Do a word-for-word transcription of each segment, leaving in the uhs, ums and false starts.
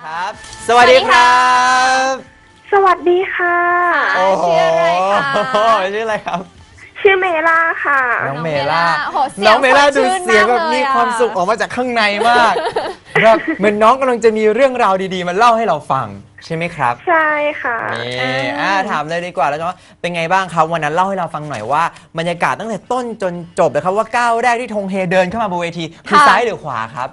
ครับสวัสดีครับสวัสดีค่ะชื่ออะไรคะชื่ออะไรครับชื่อเมล่าค่ะน้องเมล่าน้องเมล่าดูเสียงแบบมีความสุขออกมาจากข้างในมากแบบเหมือนน้องกำลังจะมีเรื่องราวดีๆมาเล่าให้เราฟังใช่ไหมครับใช่ค่ะนี่อ่าถามเลยดีกว่าแล้วว่าเป็นไงบ้างครับวันนั้นเล่าให้เราฟังหน่อยว่าบรรยากาศตั้งแต่ต้นจนจบเลยครับว่าก้าวแรกที่ธงเฮเดินเข้ามาบนเวทีคือซ้ายหรือขวาครับ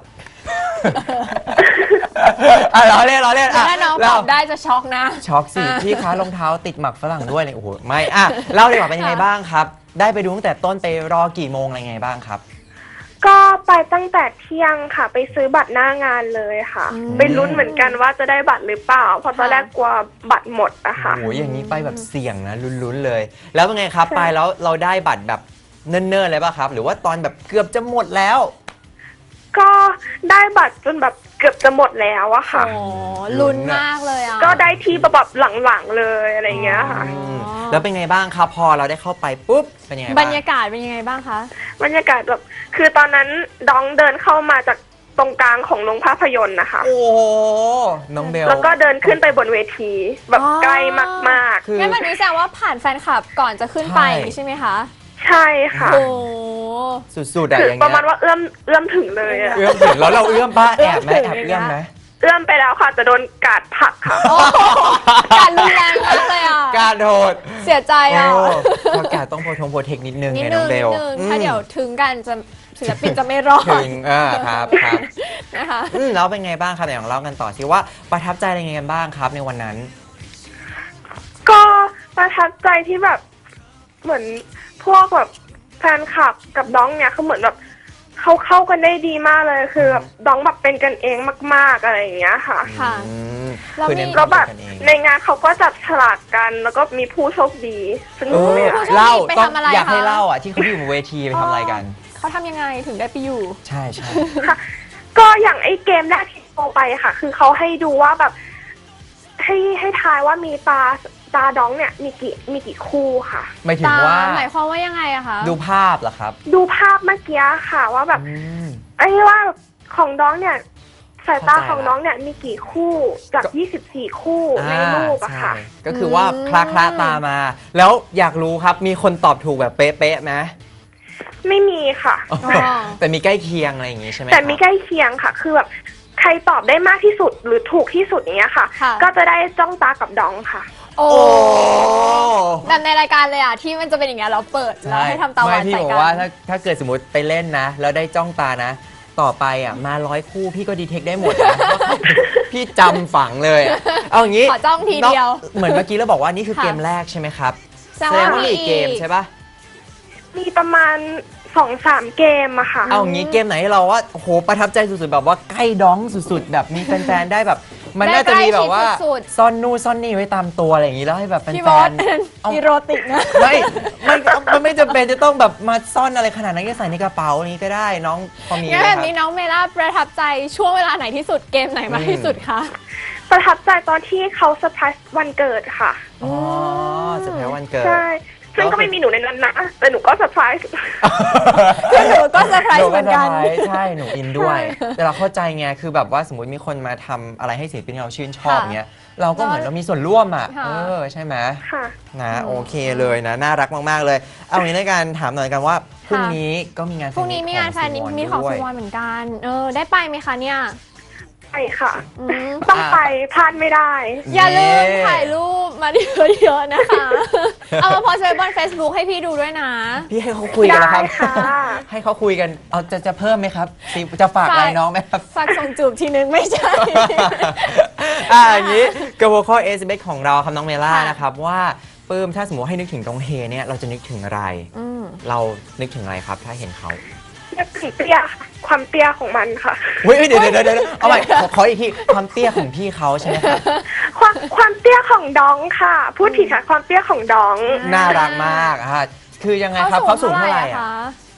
อ่ะเราเล่นเราเล่นอ่ะถ้าน้องตอบได้จะช็อกนะช็อกสิพี่คะรองเท้าติดหมักฝรั่งด้วยเลยโอ้โหไม่อ่ะเล่าดีกว่าเป็นยังไงบ้างครับได้ไปดูตั้งแต่ต้นไปรอกี่โมงอะไรไงบ้างครับก็ไปตั้งแต่เที่ยงค่ะไปซื้อบัตรหน้างานเลยค่ะไปลุ้นเหมือนกันว่าจะได้บัตรหรือเปล่าเพราะตอนแรกกลัวบัตรหมดอะค่ะโอ้โหอย่างนี้ไปแบบเสี่ยงนะลุ้นๆเลย แล้วเป็นไงครับไปแล้วเราได้บัตรแบบเนิ่นๆเลยป่ะครับหรือว่าตอนแบบเกือบจะหมดแล้วก็ได้บัตรจนแบบเกือบจะหมดแล้วอะค่ะโอ้ลุ้นมากเลยอ่ะก็ได้ที่แบบหลังๆเลยอะไรเงี้ยค่ะแล้วเป็นไงบ้างครับพอเราได้เข้าไปปุ๊บเป็นยังไงบรรยากาศเป็นยังไงบ้างคะบรรยากาศแบบคือตอนนั้นดองเดินเข้ามาจากตรงกลางของโรงภาพยนตร์นะคะโอ้น้องเบลแล้วก็เดินขึ้นไปบนเวทีแบบใกล้มากๆงั้นมันนี้แสดงว่าผ่านแฟนคลับก่อนจะขึ้นไปใช่ไหมคะใช่ค่ะโอ้สุดๆอะอย่างเงี้ยประมาณว่าเอื้อมเอื้อมถึงเลยอะเอื้อมถึงแล้วเราเอื้อมป้าแอบไหมแอบเอื้อมไหมเอื้อมไปแล้วค่ะจะโดนกาดผลักค่ะการรุนแรงมากเลยอ่ะการโดดเสียใจอ่ะเพราะการต้องโปรทงโปรเทคนิดนึงไงน้องเบลถ้าเดี๋ยวถึงกันจะศิลปินจะไม่รอดถึงอ่าครับครับนะคะแล้วเป็นไงบ้างครับอย่างเล่ากันต่อสิว่าประทับใจอะไรไงกันบ้างครับในวันนั้นก็ประทับใจที่แบบเหมือนพวกแบบแฟนคลับกับน้องเนี่ยเขาเหมือนแบบเขาเข้ากันได้ดีมากเลยคือแบบน้องแบบเป็นกันเองมากๆอะไรอย่างเงี้ยค่ะค่ะแล้วแบบในงานเขาก็จับฉลากกันแล้วก็มีผู้โชคดีสนุกเลยอะเล่าต้องอยากให้เล่าอ่ะที่เขาอยู่บนเวทีไปทำอะไรกันเขาทำยังไงถึงได้ไปอยู่ใช่ใช่ค่ะก็อย่างไอ้เกมแรกที่โตไปค่ะคือเขาให้ดูว่าแบบให้ให้ทายว่ามีตาตาดองเนี่ยมีกี่มีกี่คู่ค่ะหมายถึงว่าหมายความว่ายังไงอะคะดูภาพเหรอครับดูภาพเมื่อกี้ค่ะว่าแบบไอ้ว่าของดองเนี่ยสายตาของน้องเนี่ยมีกี่คู่จากยี่สิบสี่คู่ในรูปอะค่ะก็คือว่าคลาคลาตามาแล้วอยากรู้ครับมีคนตอบถูกแบบเป๊ะๆไหมไม่มีค่ะแต่มีใกล้เคียงอะไรอย่างงี้ใช่ไหมแต่มีใกล้เคียงค่ะคือแบบใครตอบได้มากที่สุดหรือถูกที่สุดอย่างเงี้ยค่ะก็จะได้จ้องตากับดองค่ะโอ้แบบในรายการเลยอ่ะที่มันจะเป็นอย่างเงี้ยเราเปิดแล้วให้ทำตาหวานใส่กันไม่พี่บอกว่าถ้าถ้าเกิดสมมติไปเล่นนะแล้วได้จ้องตานะต่อไปอ่ะมาร้อยคู่พี่ก็ดีเทคได้หมดนะพี่จำฝังเลยเอาอย่างงี้ขอจ้องทีเดียวเหมือนเมื่อกี้เราบอกว่านี่คือเกมแรกใช่ไหมครับแสดงว่ามีเกมใช่ปะมีประมาณสองสามเกมอะค่ะเอาอย่างงี้เกมไหนให้เราว่าโอ้โหประทับใจสุดๆแบบว่าใกล้ดองสุดๆแบบมีแฟนๆได้แบบมันน่าจะมีแบบว่าซ่อนนู่นซ่อนนี่ไว้ตามตัวอะไรอย่างงี้แล้วให้แบบแฟนๆอีโรติกนะไม่ไม่มันไม่จำเป็นจะต้องแบบมาซ่อนอะไรขนาดนั้นก็ใส่ในกระเป๋านี้ก็ได้น้องพอมีงั้นแบบนี้น้องเมล่าประทับใจช่วงเวลาไหนที่สุดเกมไหนมากที่สุดคะประทับใจตอนที่เขาเซอร์ไพรส์วันเกิดค่ะอ๋อเซอร์ไพรส์วันเกิดใช่ซึ่งก็ไม่มีหนูในนั้นนะแต่หนูก็เซอร์ไพรส์หนูก็เซอร์ไพรส์เหมือนกันใช่หนูอินด้วยแต่เราเข้าใจไงคือแบบว่าสมมติมีคนมาทำอะไรให้ศิลปินเราชื่นชอบเงี้ยเราก็เหมือนเรามีส่วนร่วมอ่ะเออใช่ไหมนะโอเคเลยนะน่ารักมากๆเลยเอางี้ในการถามหน่อยกันว่าพรุ่งนี้ก็มีงานพรุ่งนี้มีงานแฟนมีของซีวอนเหมือนกันเออได้ไปไหมคะเนี่ยไปค่ะต้องไปพลาดไม่ได้อย่าลืมถ่ายรูปมาเยอะๆนะคะเอามาโพสต์ไว้บน Facebook ให้พี่ดูด้วยนะพี่ให้เขาคุยกันนะครับให้เขาคุยกันเอาจะจะเพิ่มไหมครับจะฝากอะไรน้องไหมครับฝากส่งจูบทีนึงไม่ใช่อ่าอย่างนี้กระโวข้อ เอส เอ็ม เอส ของเราครับน้องเมล่านะครับว่าปื้มถ้าสมมติให้นึกถึงตรงเฮเนี่ยเราจะนึกถึงอะไรเรานึกถึงอะไรครับถ้าเห็นเขานึกถึงเตี้ยความเตี้ยของมันค่ะเฮ้ยเดี๋ยวเดี๋ยวเดี๋ยวเอาใหม่ขออีกทีความเตี้ยของพี่เขาใช่ไหมครับความความเตี้ยของดองค่ะพูดผิดค่ะความเตี้ยของดองน่ารักมากอ่ะคือยังไงครับเขาสูงเท่าไหร่อ่ะ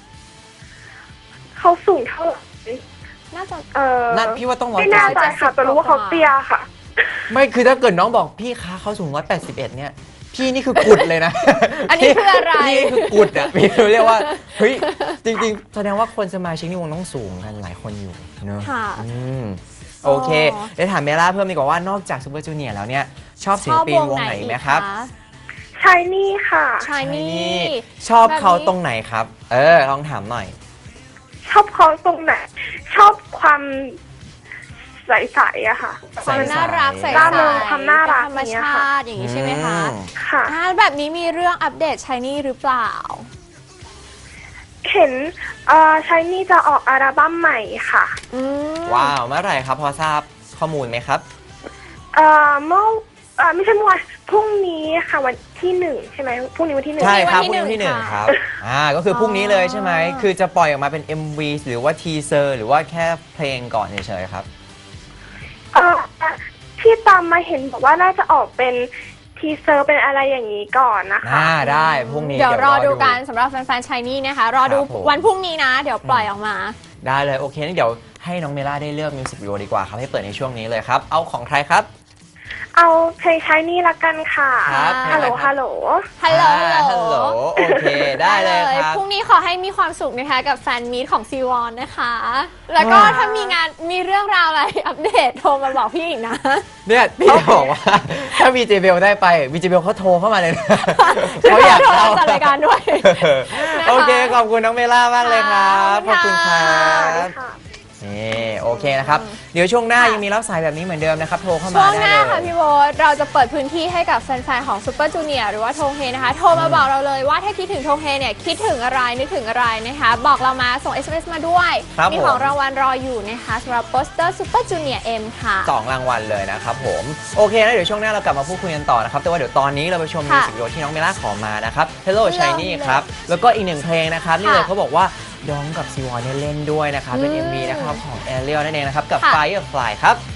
เขาสูงเท่าไหร่น่าจะเออน่าพี่ว่าต้องร้อยไม่น่าใจค่ะแต่รู้ว่าเขาเตี้ยค่ะไม่คือถ้าเกิดน้องบอกพี่คะเขาสูงร้อยแปดสิบเอ็ดเนี่ยพี่นี่คือกุดเลยนะอันนี้คืออะไรพี่คือกุดอ่ะพี่เรียกว่าเฮ้ยจริงๆแสดงว่าคนสมาชิกในวงต้องสูงกันหลายคนอยู่เนอะค่ะโอเคเดี๋ยวถามเมล่าเพิ่มดีกว่าว่านอกจากซูเปอร์จูเนียร์แล้วเนี่ยชอบศิลปินวงไหนไหมครับชายนี่ค่ะชายนี่ชอบเขาตรงไหนครับ เออลองถามหน่อยชอบเขาตรงไหนชอบความใสๆอะค่ะความน่ารักใส่ร่าเริงความน่ารักธรรมชาติอย่างนี้ใช่ไหมคะอืมค่ะอ่าแบบนี้มีเรื่องอัปเดตชายนี่หรือเปล่าเห็นเอ่อชายนี่จะออกอัลบั้มใหม่ค่ะอืมว้าวเมื่อไหร่ครับพอทราบข้อมูลไหมครับเอ่อเมื่อเอ่อไม่ใช่เมื่อวานพรุ่งนี้ค่ะวันที่หนึ่งใช่ไหมพรุ่งนี้วันที่หนึ่งใช่ครับพวัรุ่งนที่นี้วันที่หนึ่งหนึ่งคค่ะรับอ่าก็คือพรุ่งนี้เลยใช่ไหมอ๋อคือจะปล่อยออกมาเป็น เอ็ม วี หรือว่าทีเซอร์หรือว่าแค่เพลงก่อนเฉยๆครับเอ่อที่ตามมาเห็นบอกว่าน่าจะออกเป็นทีเซอร์เป็นอะไรอย่างนี้ก่อนนะคะอ่าได้พรุ่งนี้เดี๋ยวรอดูกันสำหรับแฟนๆชายนี่นะคะ รอดูครับผมวันพรุ่งนี้นะ เดี๋ยวปล่อยออกมาได้เลยโอเคงั้นเดี๋ยวให้น้องเมล่าได้เลือกมิวสิกวิดีโอดีกว่าครับให้เปิดในช่วงนี้เลยครับเอาของใครครับเอาเพลงชายนี่ละกันค่ะครับฮัลโหลเพลงอะไรครับฮัลโหลฮัลโหลอ่าฮัลโหลโอเคได้เลยครับพรุ่งนี้ขอให้มีความสุขนะคะกับแฟนมีตของซีวอนนะคะ แล้วก็ว้าวถ้ามีงานมีเรื่องราวอะไรอัปเดตโทรมาบอกพี่อีกนะเนี่ยพี่จะบอกว่า ถ้าวีเจเบลได้ไปวีเจเบลเขาโทรเข้ามาเลยนะเขาอยากโทรเข้ามาจัดรายการด้วย นะคะโอเคขอบคุณน้องเมล่ามากเลยครับขขออบบคุคุณณคค่ะรับนี่โอเคนะครับเดี๋ยวช่วงหน้ายังมีรับสายแบบนี้เหมือนเดิมนะครับโทรเข้ามาช่วงหได้น้าเลค่ะยพี่โบ๊ทเราจะเปิดพื้นที่ให้กับแฟนๆของซูเปอร์จูเนียร์หรือว่าโทงเฮนะคะ โทรมาบอกเราเลยว่าถ้าคิดถึงโทงเฮเนี่ยคิดถึงอะไรนึกถึงอะไรนะคะ บอกเรามาส่ง เอส เอ็ม เอส มาด้วยครับมีผมของรางวัลรออยู่นะคะสำหรับโปสเตอร์ซูเปอร์จูเนียร์เอ็มค่ะสองรางวัลเลยนะครับผมโอเคนะเดี๋ยวช่วงหน้าเรากลับมาพูดคุยกันต่อนะครับแต่ว่าเดี๋ยวตอนนี้เราไปชมมิวค่ะสิกวิดีโอที่น้องเมล่าขอมานะครับ Hello Hello Shiny ครับแล้วก็อีกหนึ่งเพลงนะครับนี่เลยค่ะเขาบอกว่าดองกับซีวอนเนี่ยเล่นด้วยนะครับเป็นอืมเอ็ม วี นะครับของ Ariel นั่นเองนะครับกับค่ะ Firefly ครับ